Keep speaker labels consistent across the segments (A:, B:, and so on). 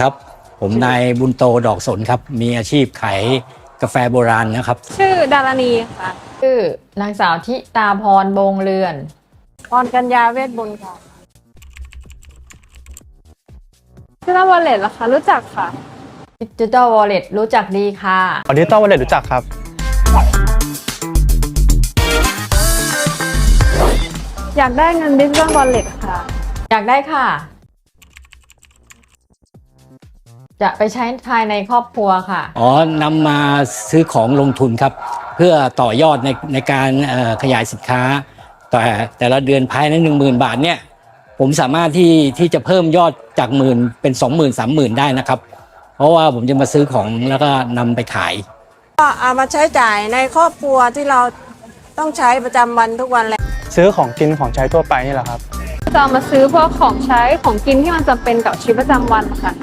A: ครับผมนายบุญโตดอกสนครับมีอาชีพขายกาแฟโบราณนะครับ
B: ชื่อดารณีค่ะ
C: ชื่อนางสาวทิตาพรบงเรือน
B: พรกัญญาเวทบุญค่ะDigital Wallet เหรอคะรู้จักค่ะ
C: Digital Wallet รู้จักดีค่ะ
D: Digital Wallet รู้จักครับ
B: อยากได้เงิน Digital Wallet ค่ะ
C: อยากได้ค่ะจะไปใช้ภายในครอบครัวค่ะ
A: นำมาซื้อของลงทุนครับเพื่อต่อยอดในการขยายสินค้าแต่ละเดือนภายใน 10,000 บาทเนี่ยผมสามารถที่จะเพิ่มยอดจากหมื่นเป็น 20,000 30,000 ได้นะครับเพราะว่าผมจะมาซื้อของแล้วก็นำไปขาย
E: ก็เอามาใช้จ่ายในครอบครัวที่เราต้องใช้ประจำวันทุกวันเลย
D: ซื้อของกินของใช้ทั่วไปนี่แหละครับ
B: จะเอามาซื้อพวกของใช้ของกินที่มันจำเป็นกับชีวิตประจำวันค่ะ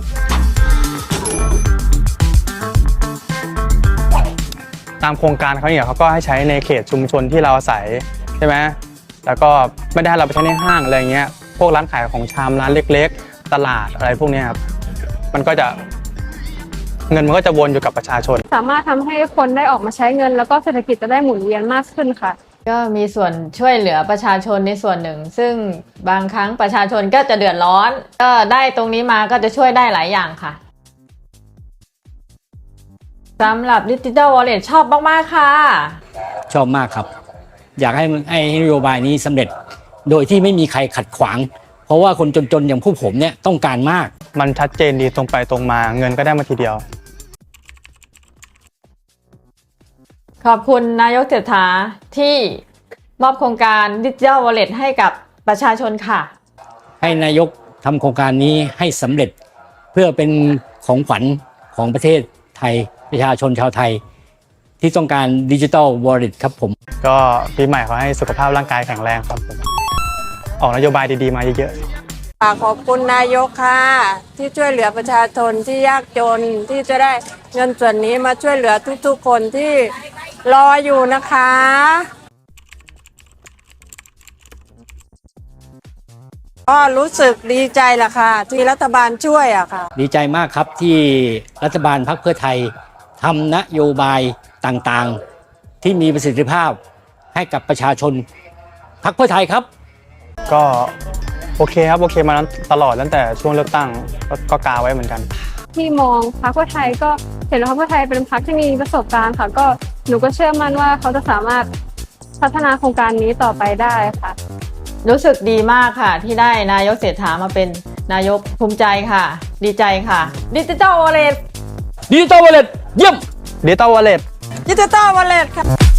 D: ตามโครงการเขาเนี่ยเขาก็ให้ใช้ในเขตชุมชนที่เราอาศัยใช่ไหมแล้วก็ไม่ได้ให้เราไปใช้ในห้างอะไรเงี้ยพวกร้านขายของชำร้านเล็กๆตลาดอะไรพวกนี้ครับมันก็จะเงินมันก็จะวนอยู่กับประชาชน
B: สามารถทำให้คนได้ออกมาใช้เงินแล้วก็เศรษฐกิจจะได้หมุนเวียนมากขึ้นค่ะ
C: ก็มีส่วนช่วยเหลือประชาชนในส่วนหนึ่งซึ่งบางครั้งประชาชนก็จะเดือดร้อนก็ได้ตรงนี้มาก็จะช่วยได้หลายอย่างค่ะสำหรับ Digital Wallet ชอบมากๆค่ะ
A: ชอบมากครับอยากให้นโยบายนี้สำเร็จโดยที่ไม่มีใครขัดขวางเพราะว่าคนจนๆอย่างพวกผมเนี่ยต้องการมาก
D: มันชัดเจนดีตรงไปตรงมาเงินก็ได้มาทีเดียว
C: ขอบคุณนายกเศรษฐาที่มอบโครงการ Digital Wallet ให้กับประชาชนค่ะ
A: ให้นายกทำโครงการนี้ให้สำเร็จเพื่อเป็นของขวัญของประเทศไทยประชาชนชาวไทยที่ต้องการ Digital Wallet ครับผม
D: ก็ปีใหม่ขอให้สุขภาพร่างกายแข็งแรงครับผมออกนโยบายดีๆมาเยอะ
E: ๆขอบคุณนายกค่ะที่ช่วยเหลือประชาชนที่ยากจนที่จะได้เงินส่วนนี้มาช่วยเหลือทุกๆคนที่รออยู่นะคะก็รู้สึกดีใจล่ะค่ะที่รัฐบาลช่วยอะค่ะ
A: ดีใจมากครับที่รัฐบาลพรรคเพื่อไทยทำนโยบายต่างๆที่มีประสิทธิภาพให้กับประชาชนพรรคเพื่อไทยครับ
D: ก็โอเคครับโอเคมาตลอดตั้งแต่ช่วงเลือกตั้งก็กาไว้เหมือนกัน
B: ที่มองพรรคเพื่อไทยก็เห็นว่าพรรคเพื่อไทยเป็นพรรคที่มีประสบการณ์ค่ะก็หนูก็เชื่อมั่นว่าเขาจะสามารถพัฒนาโครงการนี้ต่อไปได้ค่ะ
C: รู้สึกดีมากค่ะที่ได้นายกเศรษฐามาเป็นนายกภูมิใจค่ะดีใจค่ะ Digital Wallet
A: เยี่ยม
D: Digital Wallet
E: Digital Wallet ค่ะ